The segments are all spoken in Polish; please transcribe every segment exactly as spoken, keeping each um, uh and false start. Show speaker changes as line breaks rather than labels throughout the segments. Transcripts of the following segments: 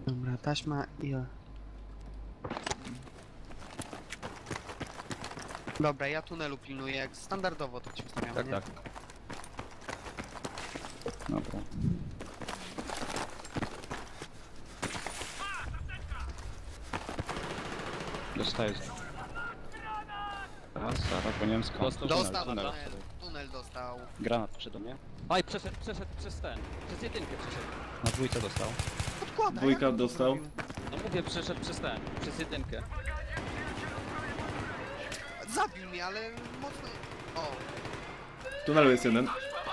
Dobra, taśma i... Dobra, ja tunelu pilnuję, jak standardowo to ci ustawiamy,
Tak,
nie?
tak.
Dobra. Dostaję. Raz, Sara po niemsku.
Dostał.
Dostał
tunel,
tunel, tunel dostał.
Granat przyszedł do mnie.
Aj, przeszedł, przeszedł przez ten. Przez jedynkę przeszedł.
Na dwójce dostał.
Podkłada,
Dwójka
jak on to
dostał.
zrobił?
No mówię, przeszedł przez ten. Przez jedynkę.
Zabił mnie, ale mocno... O,
W tunelu jest jeden.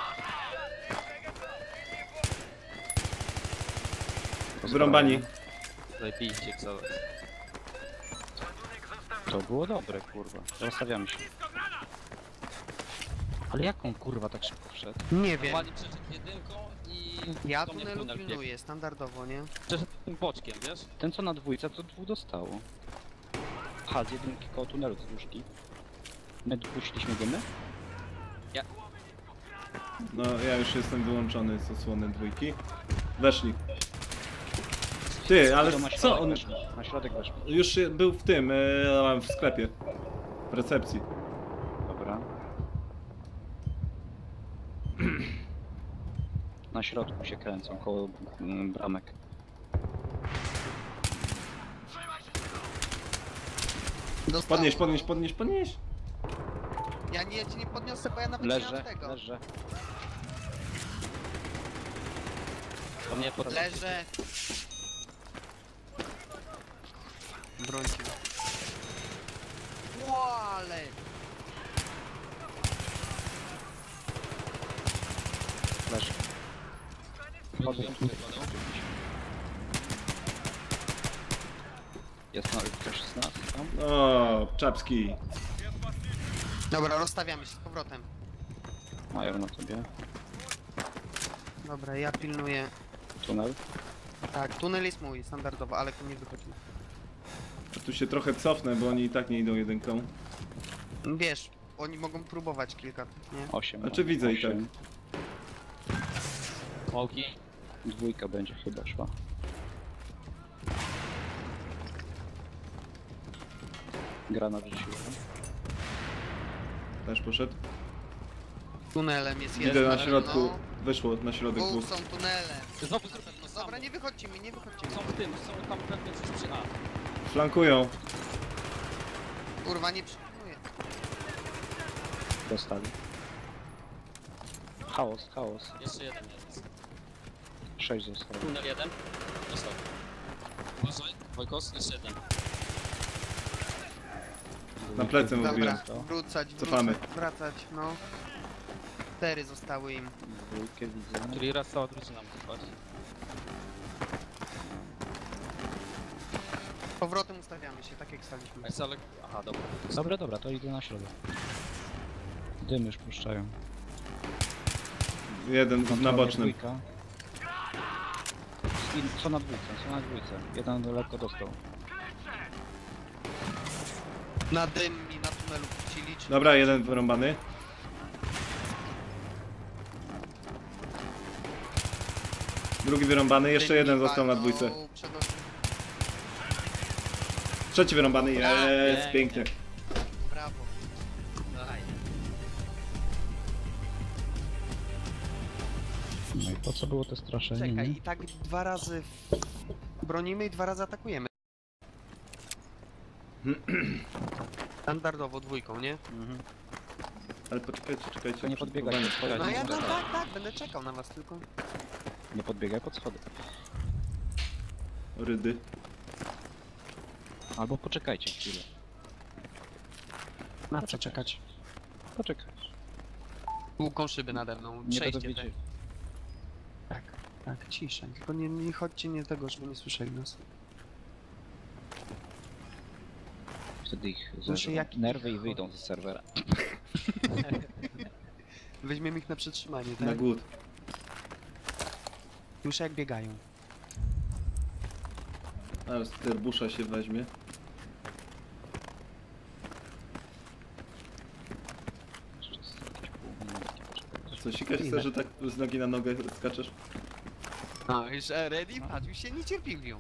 Wyrąbani.
Zajebiście, co?
To było dobre, kurwa. Rozstawiamy się. Ale jak on kurwa tak szybko wszedł?
nie wiem.
Normalnie przeszedł jedynką i...
Ja
do mnie w
tunelu
tunel biegł.
pilnuję, standardowo, nie?
Przeszedł tym boczkiem, wiesz?
Ten co na dwójce to dwóch dostało. Aha, z jedynki koło tunelu z dłużki. My puściliśmy dymy?
No ja już jestem wyłączony z osłony dwójki. Weszli. Ty, ale
To na
co
środek
on...
weszli. Na środek weszli.
Już się- był w tym, e, w sklepie. W recepcji.
Dobra. Na środku się kręcą, koło mm, bramek.
Dostał.
Podnieś, podnieś, podnieś, podnieś.
Ja nie, ja ci nie podniosę, bo ja nawet nie
Leżę,
mam tego.
leżę.
To mnie pod...
Leżę. Brońcie. Ło, ale...
Leżę. Podnieś. Jest na ktoś z nas tam?
O, czapski.
Dobra, rozstawiamy się z powrotem.
Mają na tobie.
Dobra, ja pilnuję.
Tunel.
Tak, tunel jest mój, standardowo, ale tu nie wychodzi.
Tu się trochę cofnę, bo oni i tak nie idą jedynką.
Wiesz, oni mogą próbować kilka, nie?
osiem.
Znaczy widzę i
osiem.
Smoki.
Dwójka będzie chyba szła. Granat rzuciłem.
Też poszedł.
Tunelem jest
Widzę
jeden.
na środku.
No.
Wyszło na środek
Dwóch
dwóch.
są tunele.
Znowu z drugiej
No
strony.
dobra, nie wychodźcie mi, nie wychodźcie mi.
Są w tym, są tam pewnie coś przy A.
Flankują.
Kurwa, nie przypilnuję.
Dostali. Chaos, chaos.
Jeszcze jeden jest.
Sześć zostało.
Tunel jeden. Dostał. Uważaj, Wojkos, jeszcze jeden.
Na plecy
Dobra,
mówiłem.
wrócać,
Cofamy.
wrócać, wracać, no. Cztery zostały im.
Dwójkę widzę.
Czyli raz cała drużyna musi paść.
Powrotem ustawiamy się, tak jak staliśmy.
Jest ale... Aha, dobra.
Dobra, dobra, to idę na środek. Dym już puszczają.
Jeden na
Kontrolnie
bocznym.
dwójka. I co na dwójce, co na dwójce. Jeden lekko dostał.
Na dym i na tunelu puścili, czy...
Dobra, jeden wyrąbany. Drugi wyrąbany, jeszcze
Dym
jeden
i
został na
walną
dwójce.
przed-
Trzeci wyrąbany, jest,
Pięknie.
pięknie.
Brawo.
Daj.
No i po co było to straszenie?
Czekaj,
nie?
i tak dwa razy bronimy i dwa razy atakujemy. Standardowo dwójką, nie?
Mhm.
Ale poczekajcie, czekajcie.
To nie podbiegaj,
Powiem.
podbiegaj.
No ja no
Dobra.
tak, tak, będę czekał na was tylko.
Nie podbiegaj pod schody.
Rydy.
Albo poczekajcie chwilę.
Na co czekać?
Poczekaj.
Długą szybę nade mną,
Nie
przejście
będą wiedzieć.
tak. Tak, tak, cisza. Tylko nie, nie chodźcie nie tego, żeby nie słyszeli nas.
Wtedy ich
Znaczy,
zerwą
jaki-
nerwy i wyjdą z serwera.
Weźmiemy ich na przetrzymanie,
Na
tak?
głód.
Już jak biegają.
A z terbusza się weźmie.
Jeszcze z jakieś pół minutki poczekać.
Co, sikać
Ile?
chce, że tak z nogi na nogę skaczesz?
No już e, ready? Patrz, już się niecierpliwią.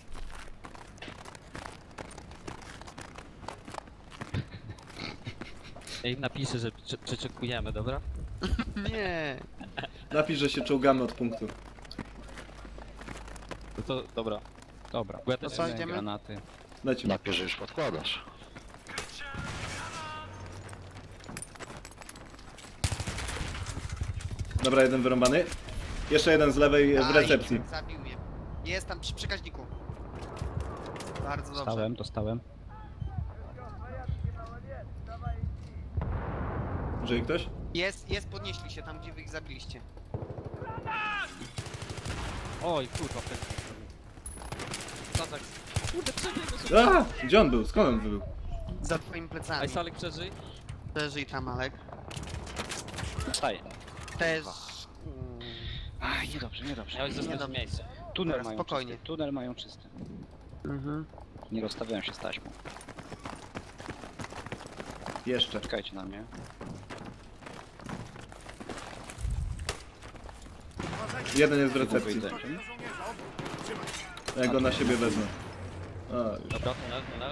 Ja im napiszę, że prze- przeczekujemy, dobra?
Nie.
Napisz, że się czołgamy od punktu.
No to dobra. Dobra. Bo ja też
co,
miałem
idziemy?
granaty.
Lecimy.
Napisz, że już podkładasz.
Dobra, jeden wyrąbany. Jeszcze jeden z lewej w
Aj,
recepcji.
Zabił mnie. Jest tam przy przekaźniku. Bardzo dobrze.
Dostałem, dostałem.
Żyje ktoś?
Jest, jest, podnieśli się tam, gdzie wy ich zabiliście.
Oj, kurwa, ten.
Kazak. Kurde, przebiegł sobie.
A! Gdzie on był? Skąd on był?
Za twoimi plecami.
Ej, Salek, przeżyj.
Przeżyj tam, Alek.
Wstaję.
Też...
Aj, niedobrze, niedobrze. Miałeś zostać w
Niedobrze.
miejscu. Tunel
Dobra,
mają
spokojnie.
czysty. Tunel mają czysty.
Mhm.
Nie rozstawiałem się z taśmą.
Jeszcze.
Czekajcie na mnie.
Jeden jest w recepcji.
Wyjdę.
Ja go na siebie wezmę. A, już.
Dobra, tunel, tunel.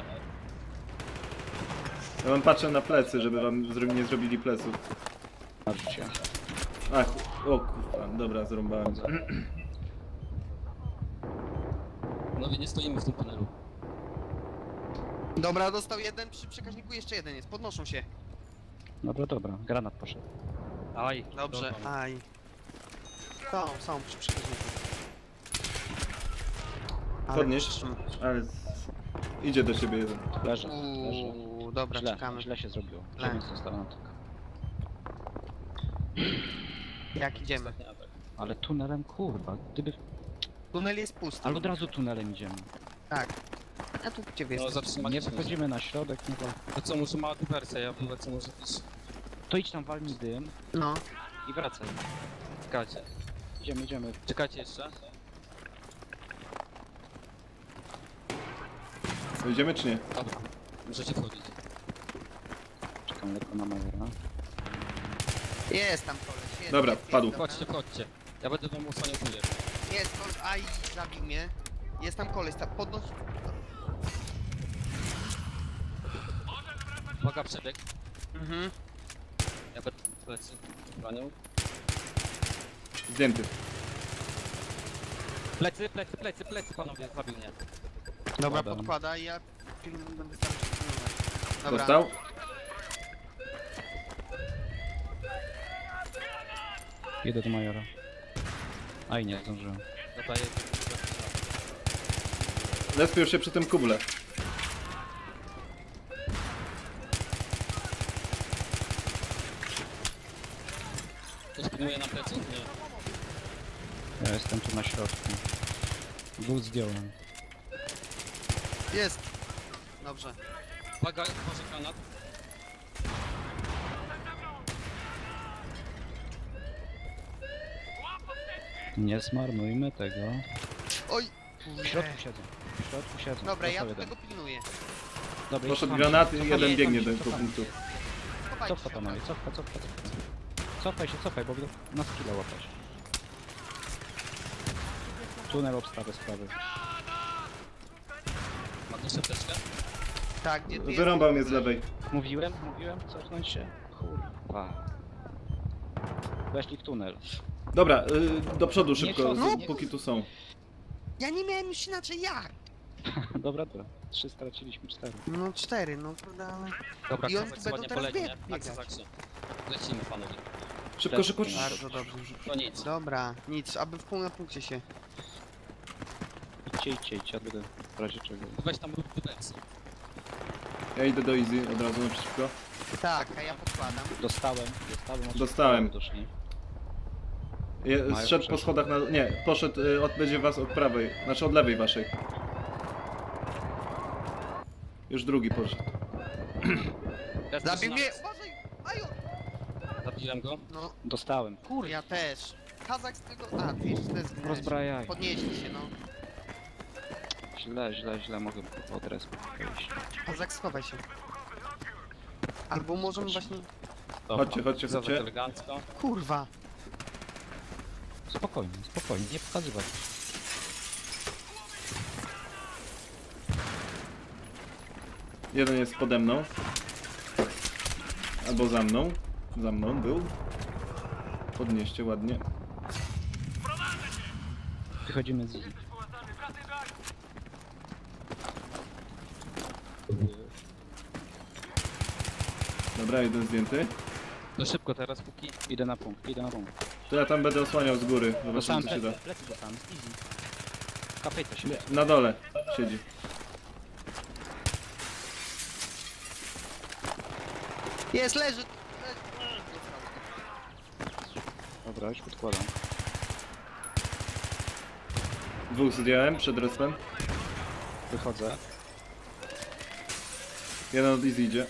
Ja wam patrzę na plecy, żeby wam zro- nie zrobili pleców.
Marzycie.
Ach, o kurwa, dobra, zrąbałem.
Panowie, nie stoimy w tym tunelu.
Dobra, dostał jeden, przy przekaźniku jeszcze jeden jest. Podnoszą się.
Dobra, dobra. Granat poszedł. Aj.
Dobrze, aj. Są, są przy przekaźniku. Ale
Podnieść?
przytrzymam.
Ale... z- Idzie do siebie jeden.
Leżę, leżę.
Uuu, dobra,
Źle,
czekamy.
źle się zrobiło.
Źle.
Dziewięć zostało na tylko.
Jak idziemy?
Ostatni atak.
Ale tunelem, kurwa, gdyby...
Tunel jest pusty.
Ale od razu tunelem idziemy.
Tak. A tu gdzie wy
No,
jesteście?
zatrzymać
Nie
się.
wychodzimy na środek, nie to...
To co, muszę mała dywersja, ja wylecę może też.
To idź tam, walnij dym
No.
i wracaj.
Czekajcie.
Idziemy, idziemy.
Czekajcie jeszcze.
Idziemy czy nie?
Dobra. Możecie wchodzić.
Czekam lekko na Majora.
Jest tam koleś. Jest,
Dobra,
jest, jest,
padł.
dobra.
Chodźcie, chodźcie. Ja będę wam usłaniał kulę.
Jest koleś. Aj, zabił mnie. Jest tam koleś, tam podnoś.
Uwaga, przebieg.
Mhm.
Ja będę plecy bronią.
Zdjęty.
Plecy, plecy, plecy, plecy, panowie, zabił mnie.
Dobra,
Padam.
podkłada i ja film będę starał się pilnować. Dobra.
Dostał?
Jedę do Majora. Aj, nie zdążyłem.
Dobra, jest.
Lespił się przy tym kuble.
Ktoś pilnuje nam plecy? Nie.
Ja jestem tu na środku. Był zdjąłem.
Jest. Dobrze.
Uwaga, uważaj granat.
Nie zmarnujmy tego.
Oj.
W środku siedzą. W środku siedzą.
Dobra, ja
Dostał
tu
jeden.
tego pilnuję.
Dobra,
Poszedł
cofamy
granat
się,
i
cofamy
jeden
się,
biegnie
cofamy
do
się,
tego
cofamy
punktu.
się.
Chowajcie
Cofa
się,
panowie, cofa, cofa, cofa. Cofaj się, cofaj, bo będą na skilla łapać. Tunel obstawy sprawy.
Ma też apteczkę?
Tak, gdzie ty
Wyrąbał mnie
jesteś?
z lewej.
Mówiłem, mówiłem, cofnąć się. Kurwa. Weszli w tunel.
Dobra, y, do przodu
Nie
szybko,
cofnij,
z-
nie
póki tu są.
Ja nie miałem już inaczej jak.
Dobra, dobra. Trzy straciliśmy, cztery.
No cztery, no prawda, ale...
Dobra,
I oni
Kazak
będą
ładnie
teraz
polegnie.
bieg-
Akcja,
biegać.
akcja. Lecimy, panowie.
Szybko,
Też
szybko,
nie.
szybko.
Bardzo dobrze.
To nic.
Dobra, nic, aby w pół na punkcie się.
Idźcie, idźcie, idźcie, ja będę w razie czego.
Weź tam rób dywersję.
Ja idę do Easy od razu naprzeciwko.
Tak, a ja podkładam.
Dostałem, dostałem. od
Dostałem.
Doszli.
Je,
Mają
zszedł po
przeszło.
schodach na... Nie, poszedł, y, od, będzie was od prawej. Znaczy od lewej waszej. Już drugi poszedł.
Teraz
Zabił mnie!
zaczynamy.
Uważaj! Aju!
Zabiłem go.
No,
Dostałem.
kur, ja też. Kazak z tego... A, ty jeszcze też zginąłeś.
Rozbrajaj.
Podnieśli się, no.
Źle, źle, źle, mogę od respu wyjść.
Kazak, schowaj się. Albo możemy właśnie...
Dobra.
Chodźcie, chodźcie,
Kazak
chodźcie.
elegancko.
Kurwa!
Spokojnie, spokojnie, nie pokazywać.
Jeden jest pode mną. Albo za mną. Za mną był. Podnieście ładnie.
Wychodzimy z Easy.
Dobra, jeden zdjęty.
To szybko teraz, póki... Idę na punkt, idę na punkt.
To ja tam będę osłaniał z góry. Zobaczymy
Dostałem
co się da.
plecy, plecy dostałem, z Easy. Kapejta się.
Na dole siedzi.
Jest, leży!
Dobra, już podkładam.
Dwóch zdjąłem przed respem.
Wychodzę.
Jeden od Easy idzie.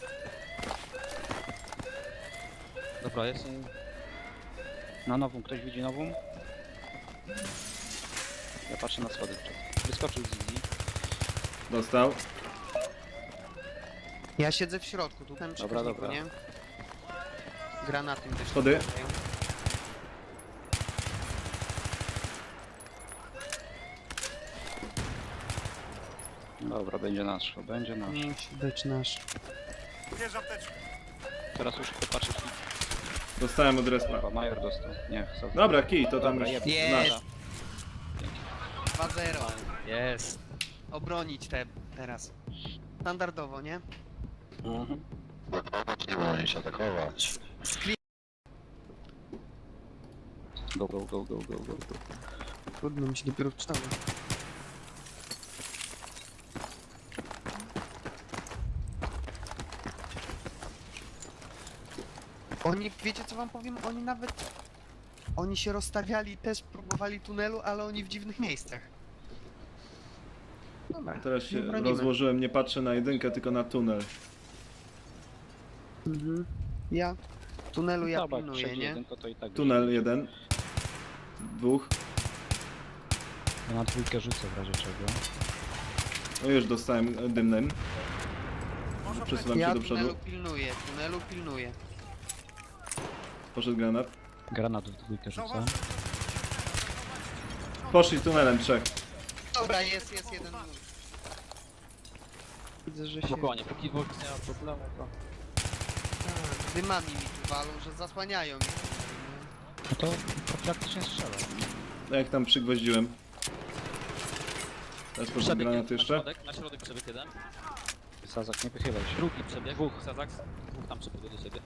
Dobra, jest. Na nową, ktoś widzi nową? Ja patrzę na schody. Wyskoczył z Easy.
Dostał.
Ja siedzę w środku, tu tam
Dobra, dobra.
nie? Granatem też.
Schody.
Dobra, będzie nasz, będzie nasz.
Musi być nasz.
Teraz już popatrzę.
Dostałem od respa.
Chyba Major dostał. Nie, chcę.
Dobra, kij, to tam
Dobra,
już
jeb-
Jest!
nasz.
dwa zero.
Jest.
Obronić te teraz. Standardowo, nie?
Mhm.
Nie możesz atakować.
Go, go, go, go, go, go, go.
Trudno mi się dopiero wczytało. Oni, wiecie co wam powiem? Oni nawet... Oni się rozstawiali, też próbowali tunelu, ale oni w dziwnych miejscach. Dobra,
Teraz się
nie bronimy.
rozłożyłem, nie patrzę na jedynkę, tylko na tunel.
Mhm. Ja tunelu ja
Dobra,
pilnuję,
przejdzie
nie?
jeden, to i tak.
Tunel jeden. Dwóch.
Ja na dwójkę rzucę w razie czego.
No już dostałem e, dymnym. Przesuwam
Ja
się do przodu.
tunelu pilnuję, tunelu pilnuję.
Poszedł granat.
Granat w dwójkę rzucę.
Poszli tunelem trzech.
Dobra, jest, jest jeden. Widzę, że się...
Spokojnie, póki Vox nie ma problemu, to...
Tak, dymami mi tu walą, że zasłaniają mnie.
No to, to praktycznie strzela.
No jak tam przygwoździłem. Teraz poszedł
Przebieg
granat
jeden,
jeszcze.
Na środek, na środek przebieg jeden.
Sazak, nie wychylaj się.
Drugi przebieg, dwóch. Sazak, dwóch tam przebiegł do siebie.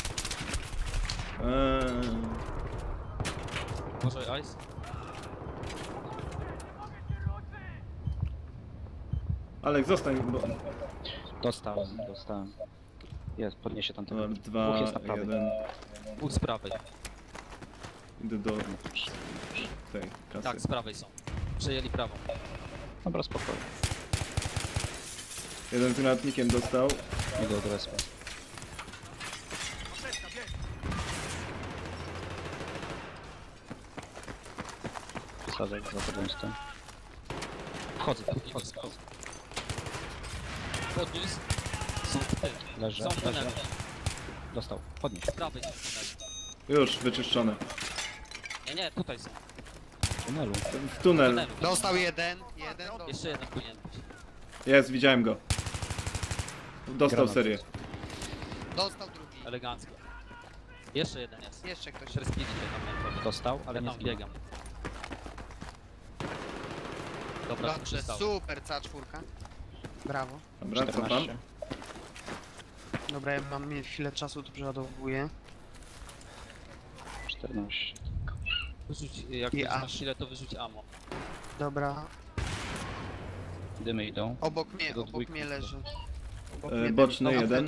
Eee,
Uważaj, Ice.
Alek, zostań, bo...
Dostałem, dostałem. Jest, podniesie tam
Dobra,
ten. Dwóch
dwa,
jest na prawej.
jeden.
Dwóch z prawej.
Idę do tej kasy.
Tak, z prawej są. Przejęli prawą.
Dobra, spokojnie.
Jeden z granatnikiem dostał.
Idę od respa. Sazak, za tobą jestem.
Wchodzę, wchodzę, wchodzę. Podniósł. Są w tym.
Leżę,
Są w
leżę.
tunelu.
Dostał, podnieś.
Z prawej są w tunelu.
Już, wyczyszczone.
Nie, nie, tutaj są.
W tunelu.
W
W
tunel.
tunelu.
Dostał jeden, jeden dostał.
Jeszcze jeden powinien być.
Jest, widziałem go. Dostał
Granat.
serię.
Dostał drugi.
Elegancko. Jeszcze jeden jest.
Jeszcze ktoś.
Przerspili się tam, nie powiem.
Dostał, ale
Ja
nie
tam
zginął.
biegam. Dobra,
Dobrze,
przystało.
super, C cztery. Brawo.
Dobra, cofam.
czternaście.
Dobra, ja mam chwilę czasu, to przeładowuję.
czternaście.
Wyrzuć, jak
I
będziesz
A.
masz sile, to wyrzuć ammo.
Dobra,
Dymy idą.
obok mnie,
Do
obok
dwójki
mnie
tylko.
leży. Obok
E,
mnie
boczny
dym.
jeden.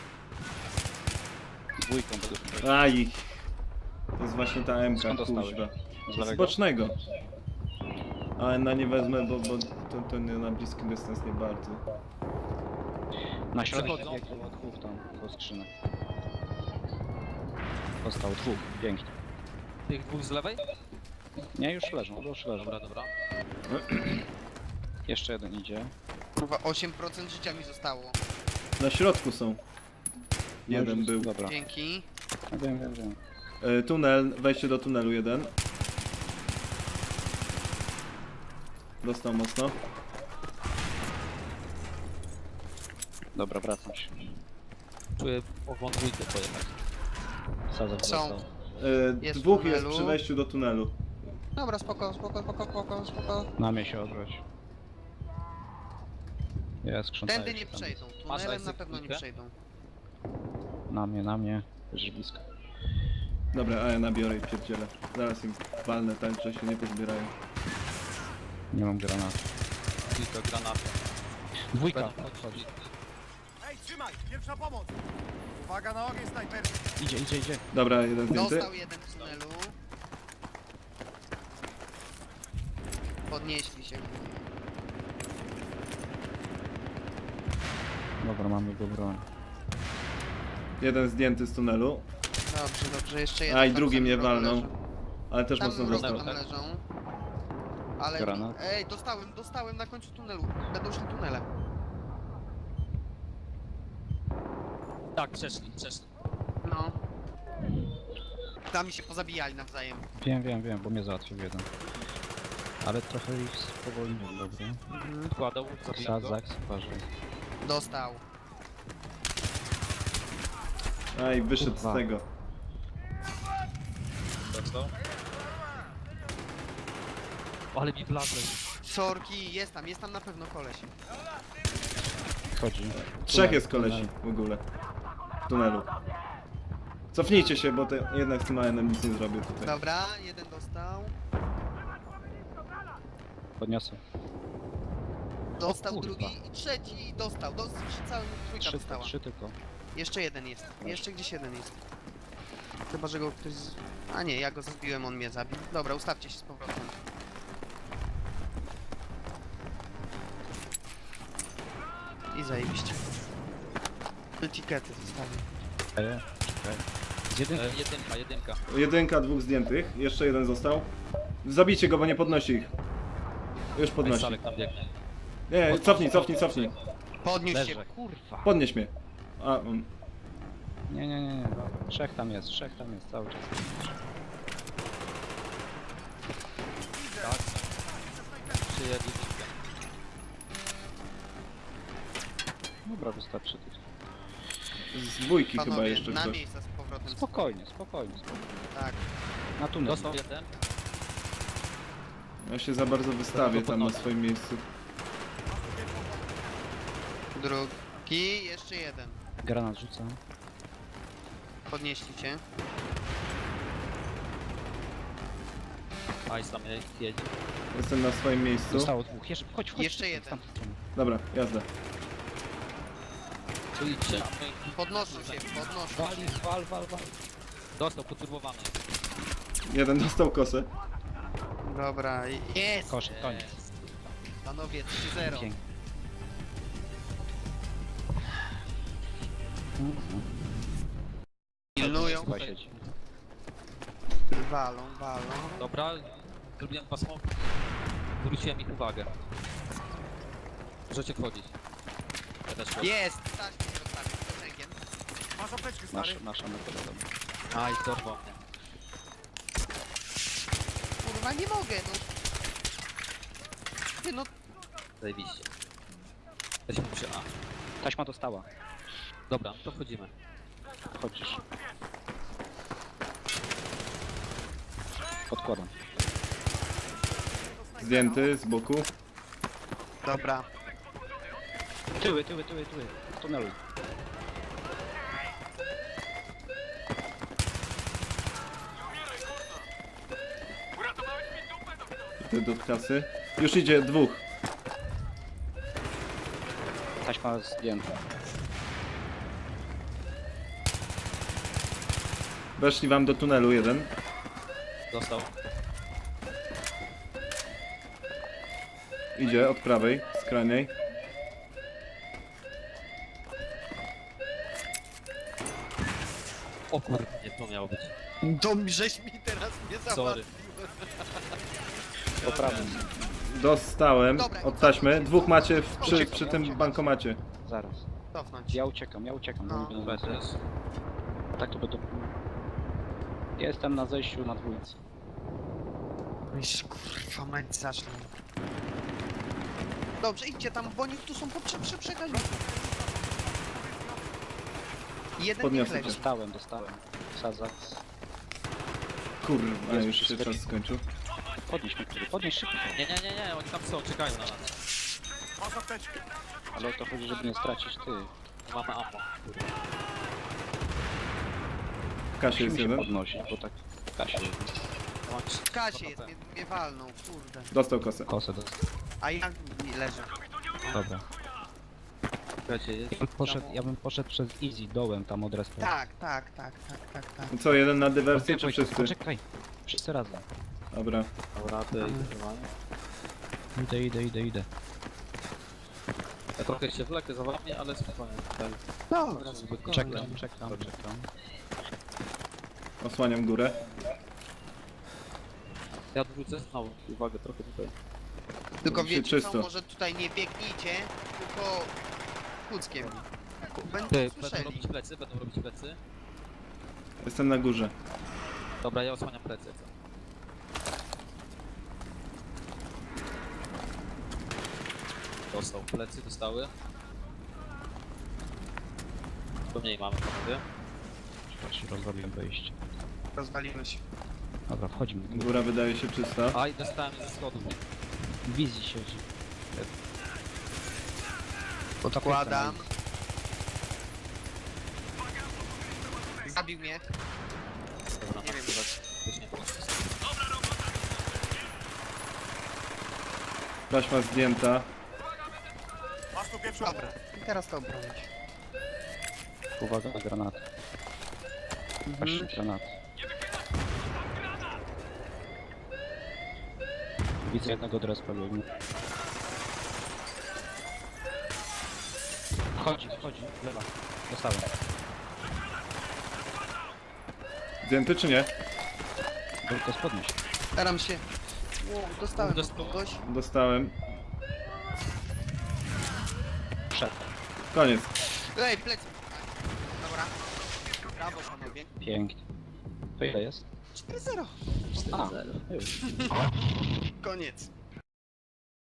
Dwójką będę.
Aj. To jest właśnie ta M K,
Skąd dostałeś?
kuźwa.
Z
Z
lewego?
bocznego. Ale na nie wezmę, bo, bo to, to nie, na bliski dystans nie bardzo.
Na środek
Przechodzą.
biegł od dwóch tam, do skrzynek. Dostał dwóch, pięknie.
Tych dwóch z lewej?
Nie, już leżą, już leżą.
Dobra, dobra.
Jeszcze jeden idzie.
Kurwa, osiem procent życia mi zostało.
Na środku są.
No
Jeden
już-
był.
Dobra,
Dzięki.
ja wiem, wiem, wiem.
E, tunel, wejście do tunelu jeden. Dostał mocno.
Dobra, wracam się.
Czuję ową dwójkę pojechać.
Sadzę
Są.
dostał.
E,
Jest w
dwóch jest
tunelu.
przy wejściu do tunelu.
Dobra, spoko, spoko, spoko, spoko, spoko.
Na mnie się odwróć. Jest krzątają
Tędy
się
nie
tam.
przejdą,
Masz
tunelem na
Isaac
pewno nie
dwójkę?
przejdą.
Na mnie, na mnie. Już blisko.
Dobra, a ja nabiorę i pierdzielę. Zaraz im walnę tak, że się nie pozbierają.
Nie mam granatu.
Dwójka, granata.
Dwójka.
Będą wchodzić.
Hej, trzymaj! Pierwsza pomoc! Uwaga na ogień snajperski!
Idzie, idzie, idzie.
Dobra, jeden zdjęty.
Dostał jeden w tunelu. Podnieśli się.
Dobra, mamy go broń.
Jeden zdjęty z tunelu.
Dobrze, dobrze, jeszcze jeden.
A i
tam
drugi
w
mnie
samym rogu
walnął.
leży.
Ale też
Tam
mocno
w rogu
dostał.
tam leżą. Ale...
Granat.
Ej, dostałem, dostałem na końcu tunelu. Będą szli tunelem.
Tak, przeszli, przeszli.
No. Tam się pozabijali nawzajem.
Wiem, wiem, wiem, bo mnie załatwił jeden. Ale trochę ich spowolniłem, dobra.
Mhm.
Kładą, zabijam go.
Sadzak, uważaj.
Dostał.
A i wyszedł
Kurwa.
z tego.
Dostał. Ale mi wlazł.
Sorki, jest tam, jest tam na pewno koleś.
Chodzi.
Trzech jest kolesi w ogóle. W tunelu. Cofnijcie się, bo te, jednak z tym A N M nic nie zrobię tutaj.
Dobra, jeden dostał.
Podniosę.
Dostał
kurwa.
drugi i trzeci dostał. Dostał, cały trójka
Trzy,
dostała.
trzy tylko.
Jeszcze jeden jest. Jeszcze gdzieś jeden jest. Chyba, że go ktoś z... A nie, ja go zabiłem, on mnie zabił. Dobra, ustawcie się z powrotem. I zajebiście. Etykiety zostawię.
Ej, czekaj. Z jedynki.
E, jedynka, jedynka.
Jedynka, dwóch zdjętych. Jeszcze jeden został. Zabijcie go, bo nie podnosi ich. Już podnosi.
Salek tam biegnie.
Nie, cofnij, cofnij, cofnij.
Podniósł się.
Leżę, kurwa.
Podnieś mnie. A, on.
Nie, nie, nie, nie. Trzech tam jest, trzech tam jest cały czas.
Tak. Przyjedli jedynkę.
Dobra, wystarczy tych.
Z dwójki chyba
Panowie,
jeszcze
na
ktoś.
miejsca z powrotem.
Spokojnie, spokojnie, spokojnie.
Tak.
Na tunel.
Dostał jeden.
Ja się za bardzo wystawię tam na swoim miejscu.
Drugi, jeszcze jeden.
Granat rzucam.
Podnieśli cię.
Ice tam jedzie.
Jestem na swoim miejscu.
Zostało dwóch. Jeszcze, chodź, chodź.
Jeszcze
z
jeden.
tamtej strony.
Dobra, jazda.
Tu idźcie.
Podnoszą się, podnoszą się.
Wali, wal, wal, wal.
Dostał, poturbowany.
Jeden dostał kosę.
Dobra, i- jest!
Koszyk, koniec.
Panowie, trzy zero.
Pięknie. Mhm.
Pilnują,
Chyba siedzi.
walą, walą.
Dobra, zrobiłem pasmo. Zwróciłem ich uwagę. Możecie wchodzić. Ja też wchodzę.
Jest! Stać mnie rozstawić z piosenkiem.
Masz apteczkę, stary?
Nasza, nasza metoda. dobra.
Aj, dorwał mnie.
Kurwa, nie mogę, no. Ty, no,
Zajebiście. Weźmy przy A.
Taśma dostała.
Dobra, to wchodzimy.
Chodzisz. Odkładam.
Zdjęty z boku.
dobra.
Tyły, tyły, tyły, tyły. W tunelu.
Idę do kasy. Już idzie dwóch.
Taśma zdjęta.
Weszli wam do tunelu jeden.
Dostał.
Idzie od prawej, skrajnej.
O kurde, nie to miało być.
To mi- żeś mi teraz nie
Sorry.
załatwił.
Po prawym.
Dostałem
Dobra,
od taśmy. Dwóch macie w, przy,
Uciekam,
przy tym
uciekam.
bankomacie.
Zaraz.
Cofnąć.
Ja uciekam, ja uciekam. bo
No.
nie będą
Weź
nas-
też.
Tak to będą... Jestem na zejściu na dwójce.
Iż, kurwa, mać zacznę. Dobrze, idźcie tam, bo oni tu są po prze, prze, przegali. Jeden
Podniosę
niech
cię.
leży.
Dostałem, dostałem. Sazak.
Kurwa,
Jest
już się
wszystko.
czas skończył.
Podnieś mnie, który, podnieś szybko.
Nie, nie, nie, nie, oni tam są, czekają na nas.
Masz apteczkę.
Ale o to chodzi, żeby nie stracić ty.
Mamy ammo. Kurwa.
W kasie jest
Musimy się
jeden.
podnosić, bo tak w kasie jest.
Ja mam trzy-
W kasie
dwa
jest,
H P.
mnie, mnie walną, kurde.
Dostał kosę.
Kosę dostał.
A ja nie leżę.
Dobra.
Czekajcie, jest-
Ja bym poszedł, ja bym poszedł przez easy dołem tam od respa.
Tak, tak, tak, tak, tak, tak.
No co, jeden na dywersję czy
Wojtek,
wszyscy?
Poczekaj. Wszyscy razem.
Dobra.
Dobra, to idę normalnie.
Idę, idę, idę, idę.
Ja trochę się wlekę za wami, ale spokojnie. Tak.
No,
Spokojnie.
Czekam, czekam, czekam.
Osłaniam górę.
Ja odwrócę znowu uwagę trochę tutaj.
tylko
Się
wiecie
czysto.
co, może tutaj nie biegnijcie, tylko kuckiem. Będą
Ty, będą
słyszeli.
robić plecy, będą robić plecy.
Jestem na górze.
Dobra, ja osłaniam plecy. Co? Dostał. Plecy dostały. To mniej mamy, panowie.
Czekaj, rozrobiłem wejście.
Rozwalimy się.
Dobra, wchodzimy.
Góra wydaje się czysta.
A i dostałem ze schodów.
W wizji siedzi.
Podkładam. Zabił mnie.
Dobra,
Nie wiem.
Też nie
Taśma zdjęta.
Masz tu pierwszą
Dobra, i teraz to obronić.
Uwaga na granat. Aż
Mhm.
granat. Widzę jednego drespa biegnie. Wchodzi, wchodzi, lewa. Dostałem.
Zdjęty czy nie?
Tylko spodnieś.
Staram się. Wow, dostałem
Dostał.
kogoś.
Dostałem.
Przed.
Koniec.
Ej, plecy. Dobra. Brawo, panowie.
Pięknie. To ile jest?
cztery zero.
A, już.
Koniec.